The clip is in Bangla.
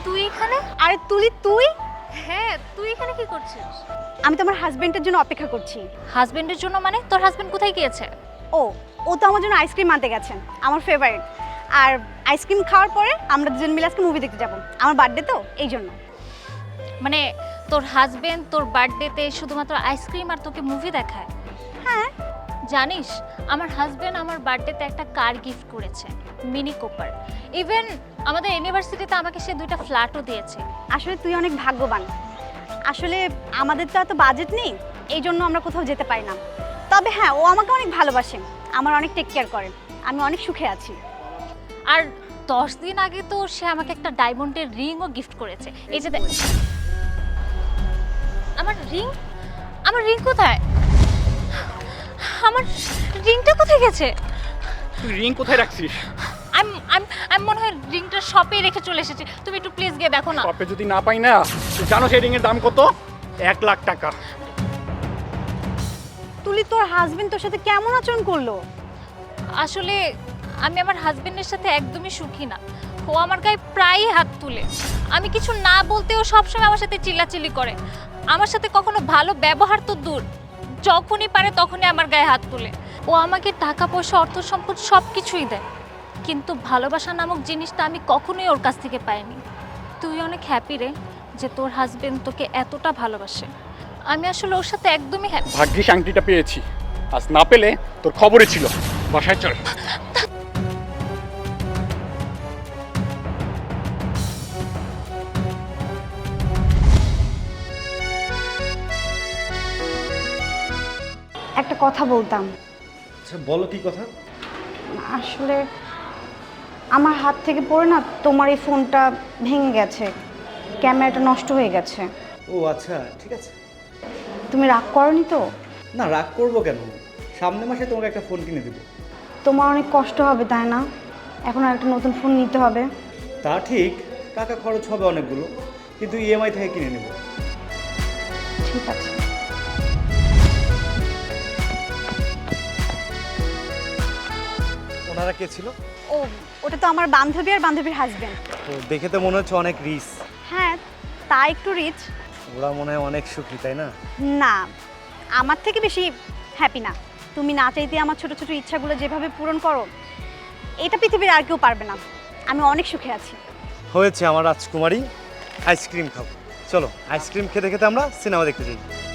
তুই এখানে? আরে তুলি তুই? হ্যাঁ, তুই এখানে কি করছিস? আমি তো আমার হাজবেন্ডের জন্য অপেক্ষা করছি। হাজবেন্ডের জন্য মানে? তোর হাজবেন্ড কোথায় গিয়েছে? ও ও তো আমার জন্য আইসক্রিম আনতে গেছেন, আমার ফেভারিট। আর আইসক্রিম খাওয়ার পরে আমরা দুজন মিলে আজকে মুভি দেখতে যাব, আমার বার্থডে তো এই জন্য। মানে তোর হাজবেন্ড তোর বার্থডেতে শুধুমাত্র আইসক্রিম আর তোকে মুভি দেখায়? হ্যাঁ। জানিস, আমার হাজবেন্ড আমার বার্থডেতে একটা কার গিফট করেছে, মিনি কুপার। ইভেন আমাদের ইউনিভার্সিটিতে আমাকে সে 2টা ফ্ল্যাটও দিয়েছে। আসলে তুই অনেক ভাগ্যবান। আসলে আমাদের তো এত বাজেট নেই, এই জন্য আমরা কোথাও যেতে পারি না। তবে হ্যাঁ, ও আমাকে অনেক ভালোবাসে, আমার অনেক টেক কেয়ার করে, আমি অনেক সুখে আছি। আর 10 দিন আগে তো সে আমাকে একটা ডায়মন্ডের রিংও গিফট করেছে। এই যে আমার রিং কোথায়? আমার রিংটা কোথায় গেছে? তুই রিং কোথায় রাখছিস? আমি মনে হয় রিংটা শপে রেখে চলে এসেছি। তুমি একটু প্লিজ গিয়ে দেখো না। শপে যদি না পাই না, তুই জানো সেই রিং এর দাম কত? 1 লাখ টাকা। তুলি, তোর হাজবেন্ড তোর সাথে কেমন আচরণ করলো? আসলে আমি আমার হাজবেন্ডের সাথে একদমই সুখী না। ও আমার গায়ে প্রায়ই হাত তুলে। আমি কিছু না বলতেও সবসময় আমার সাথে চিল্লাচিল্লি করে। আমার সাথে কখনো ভালো ব্যবহার তো দূর, যখনই পারে তখনই আমার গায়ে হাত তুলে। ও আমাকে টাকা পয়সা, অর্থ সম্পদ সব কিছুই দেয়, কিন্তু ভালোবাসা নামক জিনিসটা আমি কখনোই ওর কাছ থেকে পাইনি। তুই অনেক হ্যাপি রে যে তোর হাজবেন্ড তোকে এতটা ভালোবাসে। আমি আসলে ওর সাথে একদমই হ্যাপি। ভাগ্যিস আংটিটা পেয়েছি, আজ না পেলে তোর খবরই ছিল। বাসায় চল। একটা কথা বলতাম। আচ্ছা বলো, কি কথা? আসলে আমার হাত থেকে পড়ে না তোমার এই ফোনটা ভেঙে গেছে, ক্যামেরাটা নষ্ট হয়ে গেছে। ও আচ্ছা, ঠিক আছে। তুমি রাগ করনি তো? না, রাগ করবো কেন? সামনের মাসে তোমাকে একটা ফোন কিনে দেবো। তোমার অনেক কষ্ট হবে তাই না? এখন আর একটা নতুন ফোন নিতে হবে। তা ঠিক, টাকা খরচ হবে অনেকগুলো, কিন্তু ইএমআই থেকে কিনে নেব। ঠিক আছে। ওনারা কে ছিল? ও ওটা তো আমার বান্ধবী আর বান্ধবীর হাজবেন্ড। তো দেখে তো মনে হচ্ছে অনেক রিচ। হ্যাঁ, তা একটু রিচ। ওরা মনে হয় অনেক সুখী, তাই না? না, আমার থেকে বেশি হ্যাপি না। তুমি না চাইতে আমার ছোট ছোট ইচ্ছাগুলো যেভাবে পূরণ করো, এটা পৃথিবীর আর কেউ পারবে না। আমি অনেক সুখে আছি। হয়েছে আমার রাজকুমারী, আইসক্রিম খাবো। চলো আইসক্রিম খেতে খেতে আমরা সিনেমা দেখতে যাই।